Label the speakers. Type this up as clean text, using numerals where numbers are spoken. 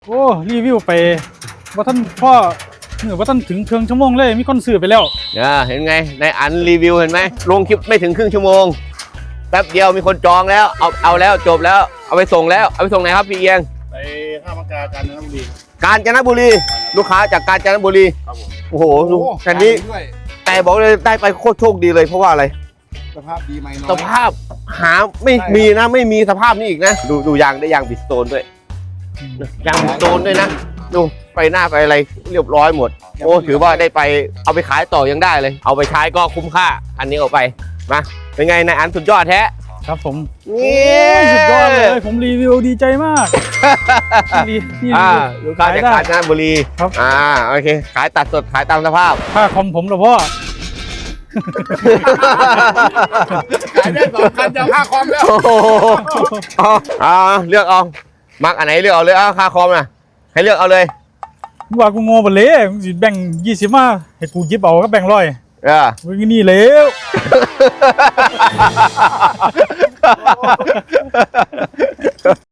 Speaker 1: โอ้รีวิวไปว่าท่านพ่อว่าท่านถึงครึ่งชั่วโมงเลยมีคนซื้อไปแล้ว
Speaker 2: เห็นไงในอันรีวิวเห็นไหมลงคลิปไม่ถึงครึ่งชั่วโมงแป๊บเดียวมีคนจองแล้วเอาแล้วจบแล้วเอาไปส่งแล้วเอาไปส่งไหนครับพี่เอียง
Speaker 3: ไปท่ามะกากาญจนบุรีลูกค้าจากกาญจนบุรี
Speaker 2: ครับผมโอ้โหดูแค่นี้
Speaker 3: ด้วย
Speaker 2: แต่บอกเลยได้ไปโคตรโชคดีเลยเพราะว่าอะไร
Speaker 3: สภาพดีไหมน้อย
Speaker 2: สภาพหาไม่มีนะไม่มีสภาพนี้อีกนะดูยางได้ยางบิสโตนด้วยยางบิสโตนด้วยนะดูไปหน้าไปอะไรเรียบร้อยหมดโอ้ถือว่าได้ไปเอาไปขายต่อยังได้เลยเอาไปใช้ก็คุ้มค่าอันนี้เอาไปมาเป็นไงนายอันสุดยอดแท้
Speaker 1: ครับผม
Speaker 2: นี่
Speaker 1: สุดยอดเลยผมรีวิวดีใจมาก
Speaker 2: ลูกค้าจากกาญจนบุรี
Speaker 1: ครับ
Speaker 2: โอเคขายตัดสดขายตามสภาพ
Speaker 1: ค่าคอมผมเหรอพ่อ
Speaker 3: ขายได้2,000จะค่าคอมแล้ว
Speaker 2: เลือกเอามักอันไหนเลือกเอาเลยค่าคอมนะให้เลือกเอาเลย
Speaker 1: ว่ากูโง่ไปเลยแบ่ง20มาให้กูยิบเอาก็แบ่ง100มึงนี่แล้ว